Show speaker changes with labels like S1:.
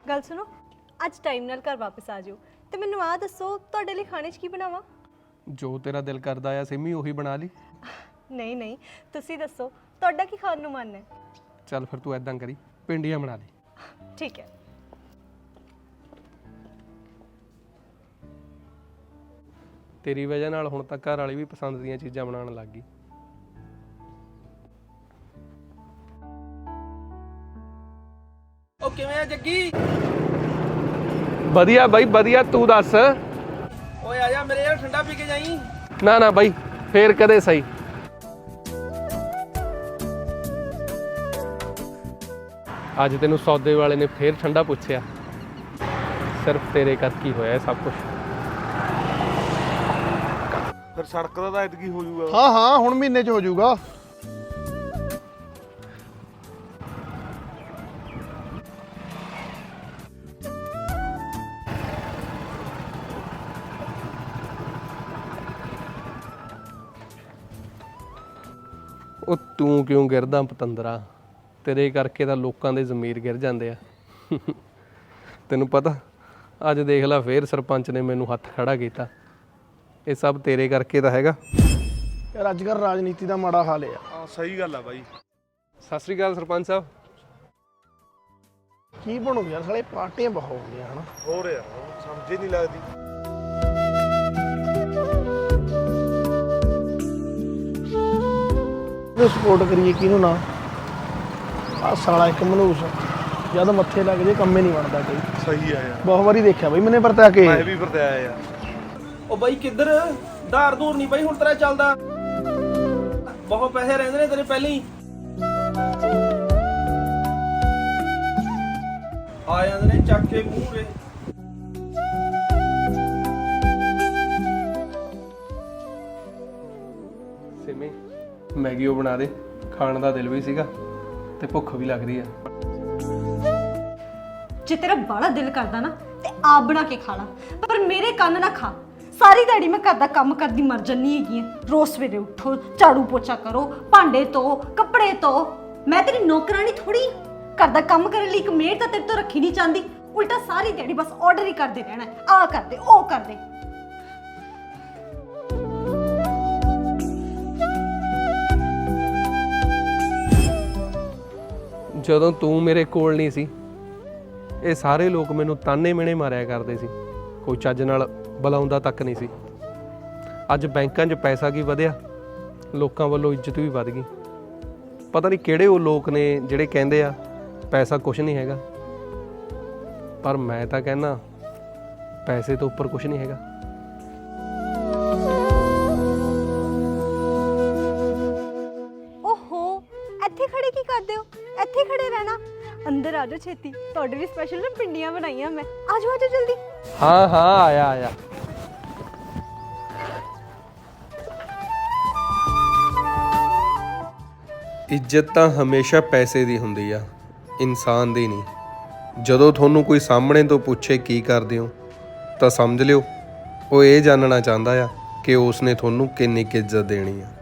S1: गल सुनो, अज टाइम नाल घर वापस आ जाओ ते मैनू आ दसो तुहाडे लई खाने च की बनावां?
S2: जो तेरा दिल करदा आ सिमी ਉਹੀ ਬਣਾ ਲਈ।
S1: नहीं नहीं, तुसी दसो तुहाडा की खाण नूं मन है?
S2: ਚੱਲ ਫਿਰ ਤੂੰ ਐਦਾਂ ਕਰੀ ਪਿੰਡੀਆਂ ਬਣਾ ਲਈ।
S1: ठीक है।
S2: ਤੇਰੀ ਵਜ੍ਹਾ ਨਾਲ ਹੁਣ ਤੱਕ ਘਰ ਵਾਲੀ ਵੀ ਪਸੰਦ ਦੀਆਂ ਚੀਜ਼ਾਂ ਬਣਾਉਣ ਲੱਗ ਗਈ।
S3: ਉਹ ਕਿਵੇਂ ਆ ਜੱਗੀ?
S2: ਵਧੀਆ ਬਾਈ ਵਧੀਆ, ਤੂੰ ਦੱਸ।
S3: ਓਏ ਆ ਜਾ ਮੇਰੇ ਯਾਰ, ਠੰਡਾ ਪੀ ਕੇ ਜਾਈਂ।
S2: ਨਾ ਨਾ ਬਾਈ, ਫੇਰ ਕਦੇ ਸਹੀ। ਅੱਜ ਤੈਨੂੰ ਸੌਦੇ ਵਾਲੇ ਨੇ ਫੇਰ ਠੰਡਾ ਪੁੱਛਿਆ, ਸਿਰਫ ਤੇਰੇ ਕਰਕੇ ਹੀ ਹੋਇਆ ਇਹ ਸਭ ਕੁਝ।
S4: ਫਿਰ ਸੜਕ ਦਾ ਤਾਂ ਐਤਕੀ ਹੋ ਜਾਊਗਾ।
S5: ਹਾਂ ਹਾਂ, ਹੁਣ ਮਹੀਨੇ 'ਚ ਹੋ ਜਾਊਗਾ।
S2: ਉਹ ਤੂੰ ਕਿਉਂ ਗਿਰਦਾ ਪਤੰਦਰਾ? ਤੇਰੇ ਕਰਕੇ ਤਾਂ ਲੋਕਾਂ ਦੇ ਜ਼ਮੀਰ ਗਿਰ ਜਾਂਦੇ ਆ। ਤੈਨੂੰ ਪਤਾ ਅੱਜ ਦੇਖ ਲੈ ਫੇਰ ਸਰਪੰਚ ਨੇ ਮੈਨੂੰ ਹੱਥ ਖੜਾ ਕੀਤਾ। ਇਹ ਸਭ ਤੇਰੇ ਕਰਕੇ ਤਾਂ ਹੈਗਾ।
S5: ਯਾਰ ਅੱਜ ਕੱਲ੍ਹ ਰਾਜਨੀਤੀ ਦਾ ਮਾੜਾ ਹਾਲ ਆ।
S4: ਹਾਂ ਸਹੀ ਗੱਲ ਆ ਬਾਈ।
S2: ਸਤਿ ਸ੍ਰੀ ਅਕਾਲ ਸਰਪੰਚ ਸਾਹਿਬ।
S5: ਕੀ ਬਣੂ ਯਾਰ, ਸਾਲੇ ਪਾਰਟੀਆਂ ਬਹੁਤ ਹੋ ਗਈਆਂ ਹਨਾ।
S4: ਹੋ ਰਿਹਾ, ਸਮਝ ਹੀ ਨਹੀਂ ਲੱਗਦੀ।
S5: ਸਪੋਰਟ ਕਰੀਏ ਕਿਹਨੂੰ ਨਾ। ਆ ਸਾਲਾ ਇੱਕ ਮਨੂਸ ਜਦ ਮੱਥੇ ਲੱਗ ਜੇ ਕੰਮੇ ਨਹੀਂ ਬਣਦਾ ਕੋਈ।
S4: ਸਹੀ ਆ ਯਾਰ,
S5: ਬਹੁਤ ਵਾਰੀ ਦੇਖਿਆ ਬਈ ਮੈਨੇ ਵਰਤਾ ਕੇ।
S4: ਮੈਂ ਵੀ ਵਰਤਿਆ ਯਾਰ।
S3: ਉਹ ਬਾਈ ਕਿੱਧਰ ਧਾਰ ਧੂਰ ਨਹੀਂ ਬਾਈ ਹੁਣ ਤੇਰਾ ਚੱਲਦਾ। ਬਹੁਤ ਪੈਸੇ ਰਹਿੰਦੇ ਨੇ ਤੇਰੇ ਪਹਿਲਾਂ ਹੀ। ਆ ਜਾਂਦੇ ਨੇ ਚੱਕ ਕੇ ਮੂਹਰੇ।
S2: ਸਿਮੀ ਮੈਗੀ ਉਹ ਬਣਾ ਦੇ, ਖਾਣ ਦਾ ਦਿਲ ਵੀ ਸੀਗਾ ਤੇ ਭੁੱਖ ਵੀ ਲੱਗ ਰਹੀ ਆ।
S1: जे तेरा बड़ा दिल करदा ना ते आप बना के खा ला, पर मेरे कन्न ना खा। सारी दिहाड़ी मैं घर दा कम करदी मर जन्नी हैगी। रोज सवेरे उठो, झाड़ू पोछा करो, भांडे धो, कपड़े धो। मैं तेरी नौकरानी थोड़ी। घर दा कम करने लई एक मेड तां तेरे तो रखी नहीं चाहती। उल्टा सारी दिहाड़ी बस ऑर्डर ही करदे रहना, आ कर दे ओ कर दे।
S2: ਜਦੋਂ ਤੂੰ ਮੇਰੇ ਕੋਲ ਨਹੀਂ ਸੀ, ਇਹ ਸਾਰੇ ਲੋਕ ਮੈਨੂੰ ਤਾਨੇ ਮਿਹਣੇ ਮਾਰਿਆ ਕਰਦੇ ਸੀ। ਕੋਈ ਚੱਜ ਨਾਲ ਬੁਲਾਉਂਦਾ ਤੱਕ ਨਹੀਂ ਸੀ। ਅੱਜ ਬੈਂਕਾਂ 'ਚ ਪੈਸਾ ਕੀ ਵਧਿਆ, ਲੋਕਾਂ ਵੱਲੋਂ ਇੱਜ਼ਤ ਵੀ ਵਧ ਗਈ। ਪਤਾ ਨਹੀਂ ਕਿਹੜੇ ਉਹ ਲੋਕ ਨੇ ਜਿਹੜੇ ਕਹਿੰਦੇ ਆ ਪੈਸਾ ਕੁਝ ਨਹੀਂ ਹੈਗਾ, ਪਰ ਮੈਂ ਤਾਂ ਕਹਿੰਦਾ ਪੈਸੇ ਤੋਂ ਉੱਪਰ ਕੁਝ ਨਹੀਂ ਹੈਗਾ।
S1: ओहो, ਇੱਥੇ ਖੜੇ ਕੀ ਕਰਦੇ ਹੋ? ਇੱਥੇ ਖੜੇ ਰਹਿਣਾ। ਅੰਦਰ ਆ ਜਾਓ ਛੇਤੀ, ਤੁਹਾਡੇ ਲਈ ਸਪੈਸ਼ਲ ਨਾ ਪਿੰਡੀਆਂ ਬਣਾਈਆਂ ਮੈਂ। ਆ ਜਾਓ ਜਲਦੀ।
S2: ਹਾਂ ਹਾਂ, ਆਇਆ ਆਇਆ। ਇੱਜ਼ਤ ਤਾਂ ਹਮੇਸ਼ਾ ਪੈਸੇ ਦੀ ਹੁੰਦੀ ਆ, ਇਨਸਾਨ ਦੀ ਨਹੀਂ। ਜਦੋਂ ਤੁਹਾਨੂੰ ਕੋਈ ਸਾਹਮਣੇ ਤੋਂ ਪੁੱਛੇ ਕੀ ਕਰਦੇ ਹੋ ਤਾਂ ਸਮਝ ਲਿਓ ਉਹ ਇਹ ਜਾਣਨਾ ਚਾਹੁੰਦਾ ਆ ਕਿ ਉਸਨੇ ਤੁਹਾਨੂੰ ਕਿੰਨੀ ਕੁ ਇੱਜ਼ਤ ਦੇਣੀ ਆ।